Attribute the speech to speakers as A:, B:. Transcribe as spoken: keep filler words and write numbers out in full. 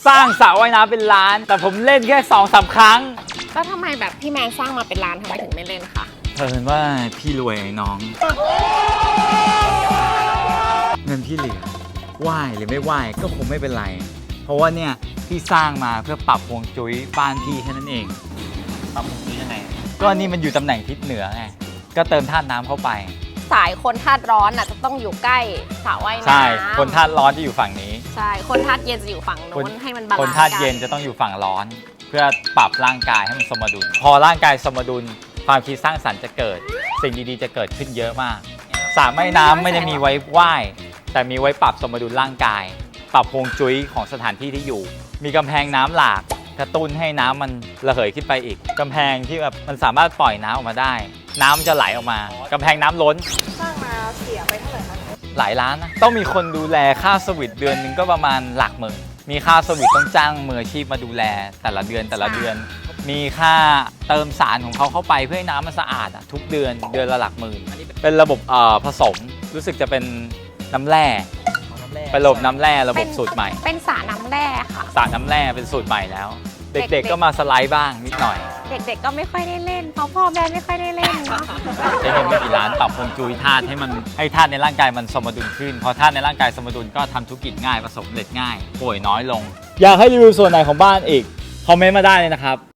A: สร้างสระว่ายน้ำเป็นล้านแต่ผมเล่นแค่สองสามครั้ง
B: แล้วทำไมแบบพี่แมนสร้างมาเป็นล้านทำไมถึงไม่เล่นคะ
A: เพิ่นว่าพี่รวยน้องเงินพี่เหลือไหวหรือไม่ไหวก็คงไม่เป็นไรเพราะว่าเนี่ยพี่สร้างมาเพื่อปรับฮวงจุ้ยบ้านพี่แค่นั้นเองปรับฮวงจุ้ยยังไงก็นี่มันอยู่ตำแหน่งทิศเหนือไงก็เติมธาตุน้ำเข้าไป
B: สายคนธาตุร้อนน่ะจะต้องอยู่ใกล้สระว่ายน้ำ
A: ใช่คนธาตุร้อนจะอยู่ฝั่งนี้
B: ใช่คนธาตุเย็นจะอยู่ฝั่งโน้นให้มันบาลานซ์
A: คนธาตุเย็นจะต้องอยู่ฝั่งร้อนเพื่อปรับร่างกายให้มันสมดุลพอร่างกายสมดุลความคิดสร้างสรรค์จะเกิดสิ่งดีๆจะเกิดขึ้นเยอะมากสระว่ายน้ำไม่ได้มีไว้ว่ายแต่มีไว้ปรับสมดุลร่างกายปรับฮวงจุ้ยของสถานที่ที่อยู่มีกำแพงน้ำหลากกระตุ้นให้น้ำมันระเหยขึ้นไปอีกกำแพงที่แบบมันสามารถปล่อยน้ำออกมาได้น้ำจะไหลออกมากำแพงน้ำล้น
B: สร้างมาเสียไปเท่าไหร่คะ
A: หลายล้านนะต้องมีคนดูแลค่าสวิตเดือนนึงก็ประมาณหลักหมื่นมีค่าสวิตต้องจ้างมืออาชีพมาดูแลแต่ละเดือนแต่ละเดือนมีค่าเติมสารของเขาเข้าไปเพื่อให้น้ำมันสะอาดทุกเดือนเดือนละหลักหมื่นเป็นระบบเอ่อผสมรู้สึกจะเป็นน้ำแร่เป็นระบบน้ำแร่ระบบสูตรใหม่
B: เป็นสระน้ำแร่ค่ะ
A: สระน้ำแร่เป็นสูตรใหม่แล้วเด็กๆก็มาสไลด์บ้างนิดหน่อย
B: เด็กๆก็ไม่ค่อยได้เล่นเพราะพ่อแม่ไม่ค่อยได้เล่นเนาะ
A: ใช้เงินไม่กี่ล้านปรับฮวงจุ้ยธาตุให้มันให้ธาตุในร่างกายมันสมดุลขึ้นพอธาตุในร่างกายสมดุลก็ทำธุรกิจง่ายประสบความสำเร็จง่ายป่วยน้อยลงอยากให้รีวิวส่วนไหนของบ้านอีกคอมเมนต์มาได้เลยนะครับ